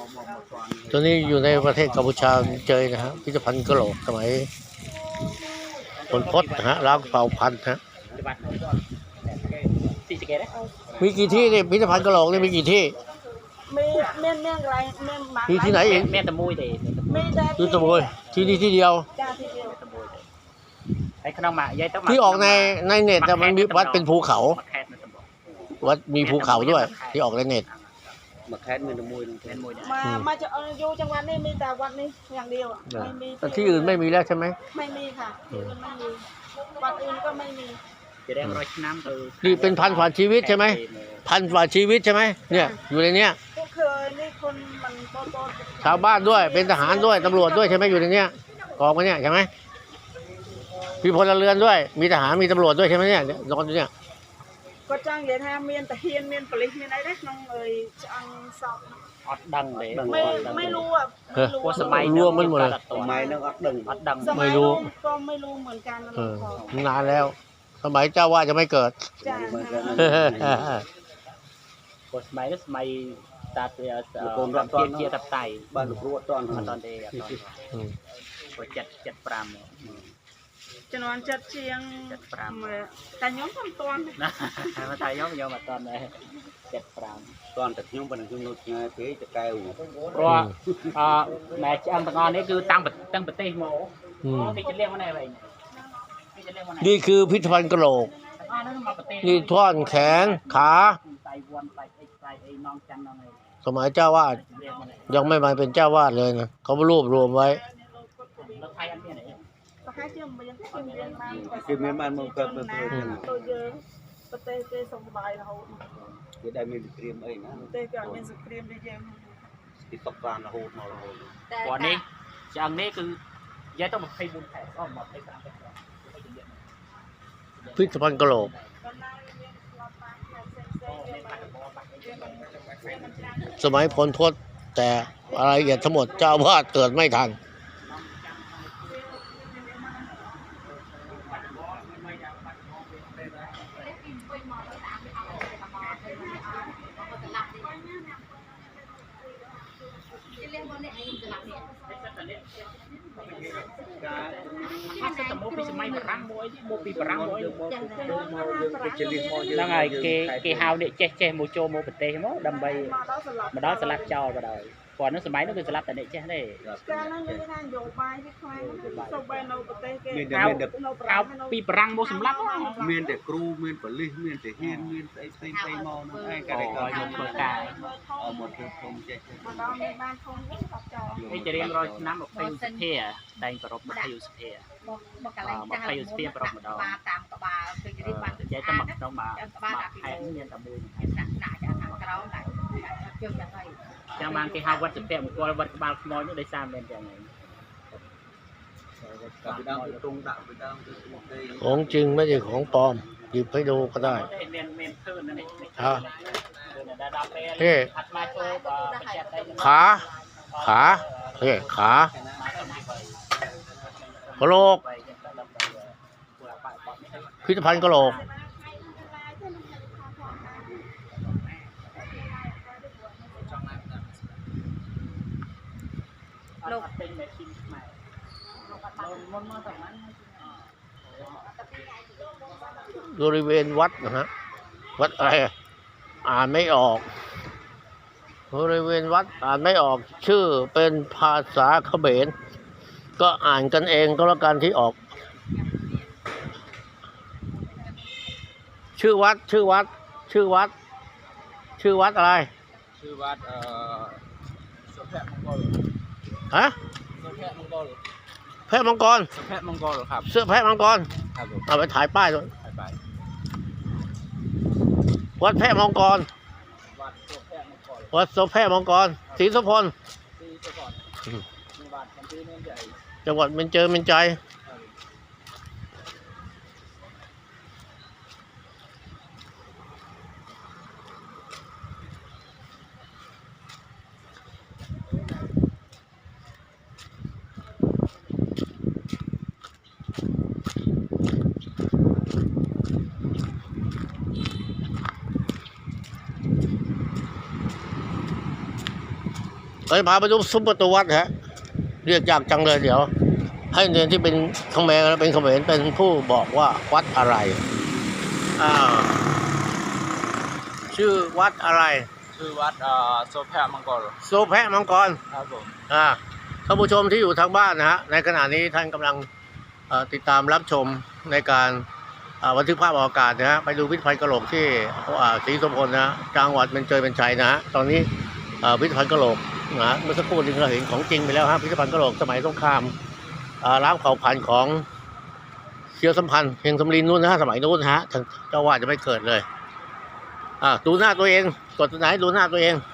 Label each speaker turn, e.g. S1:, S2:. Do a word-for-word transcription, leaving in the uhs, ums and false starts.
S1: ตัวนี้อยู่ในประเทศกัมพูชาเจอนะฮะพิพิธภัณฑ์กะโหลกสมัยผลพจน์นะฮะล้างเผ่าพันธุ์ฮะมีกี่ที่เนี่ยพิพิธภัณฑ์กะโหลกนี่มีกี่ที่
S2: มีเมียนเมียนอะไรเมียนมา
S1: มีที่ไหนอีก
S3: แม่ตะมุยเด็
S2: มีแต่
S1: ที่ตะมุยที่นี่ที่เดียว
S2: จ้าที่เดียว
S3: ไอ้ขนมหมากยายต้อง
S1: ที่ออกในในเน็ตแต่มันมีวัดเป็นภูเขาวัดมีภูเขาด้วยที่ออกในเน็ต
S3: มาแคสเงินตะมุยเงินมุย
S2: มามาจะอยู่จังหวัดนี้มีแต่วัดนี้อย่างเดียวไม่มี
S1: แต่ที่อื่นไม่มีแล้วใช่ไหม
S2: ไม่มีค่ะที่อื่นไม่มีวัดอื่นก็ไม่มี
S3: จะได้ร้อยน้ำเออ
S1: นี่เป็นพันฝ่าชีวิตใช่ไหมพันฝ่าชีวิตใช่ไหมเนี่ยอยู่ในเนี้ย
S2: ก็เคยนี่คนมันโตโต
S1: ชาวบ้านด้วยเป็นทหารด้วยตำรวจด้วยใช่ไหมอยู่ในเนี้ยกองกันเนี่ยใช่ไหมมีพลเรือนด้วยมีทหารมีตำรวจด้วยใช่ไหมเนี่ยนอนอยู่เนี่ย
S2: ก็จ้างเดี๋ยวทำเมียนแต่เฮียนเมียนปลิเมียนอะไรได้น้องเอ๋ยจังสอบ
S3: อัดดังเลย
S2: ไม่ไม่รู้อ่ะ
S3: ว่าสมัย
S1: รวมมันหมดเลย
S3: สมัยนึงอัดดังอัดดัง
S1: ไม่รู้
S2: ก็ไม่รู้เหมือนกัน
S1: นานแล้วสมัยเจ้าว่าจะไม่เกิด
S3: สมัยนั้นสมัยตาเตียโกนรัตอนเจียตับไตบ้านลูกรัวตอนตอนเดียตอนเจ็ดเจ็ดปราม
S2: จะนอนจัดเชียงแต่ย้อมทำตอน
S3: นะมาถ่ายย้อมย้อมมาตอนไหนเจ็ดปราม
S4: ตอนแต่ย้อมเป็นจุ่มนุชไงเพื่อจะแก้ว
S3: เพราะแม่จังตะกอนนี่คือตั้งตั้งประเทศโมที่จะเรียกว่าอะไร
S1: นี่คือพิพิธภัณฑ์กะโหลกนี่ท่อนแขนขาสมัยเจ้าวาดยังไม่มาเป็นเจ้าวาดเลยนะเขารวบรวมไว้
S4: คือเมียนมันมันเกิดเป็น
S2: ตัวเยอะประเทศเตสบายเรา
S4: คือได้มีเตรียมเองนะ
S2: เตก็มีสเตรียมได้เยอะ
S4: ติดตกการละโหดมาละโหด
S3: วันนี้จากนี้คือย้ายต้องมาให้บุญแผ่ก็มาให้สาม
S1: พิพิธภัณฑ์กะโหลกสมัยพลพจน์แต่รายละเอียดทั้งหมดเจ้าวาดเกิดไม่ทัน
S3: ถ้าจะโมปีสมัยปรังโมยโมปีปรังโมยแล้วไงเกเกฮาวเนี่ยเจ๊เจ๊โมโจโมเปเต้โมดำใบมาดอสลัดจอมาดอยก่อนนั้นสมัยนั้นคือสลัดแต่เนี่ยเจ๊ได้
S2: การนั้นยังงานโยบายที่ใครสบายเราเปเต้เก
S3: เอาเอาปีปรังโมสำลัก
S4: เมียนแต่ครูเมียนปลิเมียนแต่เฮียนเมียนไอ้ไอ้ไอ้มอนั่นไอ้การก็
S3: ยกตัวกาย
S4: เอาหมดทุกคนเจ๊
S2: มาดอในบ้านคงไม่ตัดจอ
S3: ไอ้จะเรียนรอยน้ำแบบพายุสเปียได้กระรบพายุสเปียมาพายุสเปียปรบมาดอตามกระบาคือจะได้ฟังเจ๊จะมาต้องมามาแทนเนียนตะมูนหนักหนาจะทำกระร้องไหนเกี่ยวกับอะไรจะมาที่ฮาววัดสเปียมันก็วัดบาลมอยนี่ได้สร้างเป็นอย่างไร
S1: ของจริงไม่ใช่ของปลอมหยิบให้ดูก็ได้ฮะเฮ้ขาขาเฮ้ขากะโหลกพิพิธภัณฑ์กะโหลกบริเวณวัดนะฮะวัดอะไรอ่านไม่ออกบริเวณวัดอ่านไม่ออกชื่อเป็นภาษาเขมรก็อ่านกันเองก็แล้วกันที่ออกชื่อวัดชื่อวัดชื่อวัดชื่อวัดอะไร
S4: ชื่อวัดเอ่อเสือแพะมังกร
S1: ฮะ
S4: เสือแพะมังกร
S1: แพะมังกร
S4: เสือแพะมังกรครับ
S1: เสื้อแพะมังกร
S4: ครับผม
S1: เอาไปถ่ายป้ายด้วย
S4: ถ่ายป้าย
S1: วัดแพะมังกรวัดเสือแพะมังกรศรีสุพลจังหวัดเบญจเบญจเราจะพาไปดูซุ้มประตูวัดฮะเรียกยากจังเลยเดี๋ยว ให้เรียนที่เป็นเขมรเป็นเขมรเป็นผู้บอกว่าวัดอะไรอ่าชื่อวัดอะไร
S5: ชื่อวัดโซแพมังกร
S1: โซแพะมังกร
S5: ครับผม
S1: อ่าท่านผู้ชมที่อยู่ทางบ้านนะฮะในขณะนี้ท่านกำลังเอ่อติดตามรับชมในการอ่าบันทึกภาพออกอากาศนะฮะไปดูพิพิธภัณฑ์กะโหลกที่อ่าศรีสมพลนะฮะจังหวัดเป็นเจยเป็นชัยนะฮะตอนนี้อ่าพิพิธภัณฑ์กะโหลกนะฮะเมื่อสักครู่นี้เราเห็นของจริงไปแล้วฮะพิพิธภัณฑ์กะโหลกสมัยสงครามอ่าล้างเผ่าพันธุ์ของเชื้อสัมพันธ์เพียงสำลีนู้นนะฮะสมัยนู้นนะฮะท่านเจ้าว่าจะไม่เกิดเลยอ่าดูหน้าตัวเองกดตัวไหนดูหน้าตัวเอง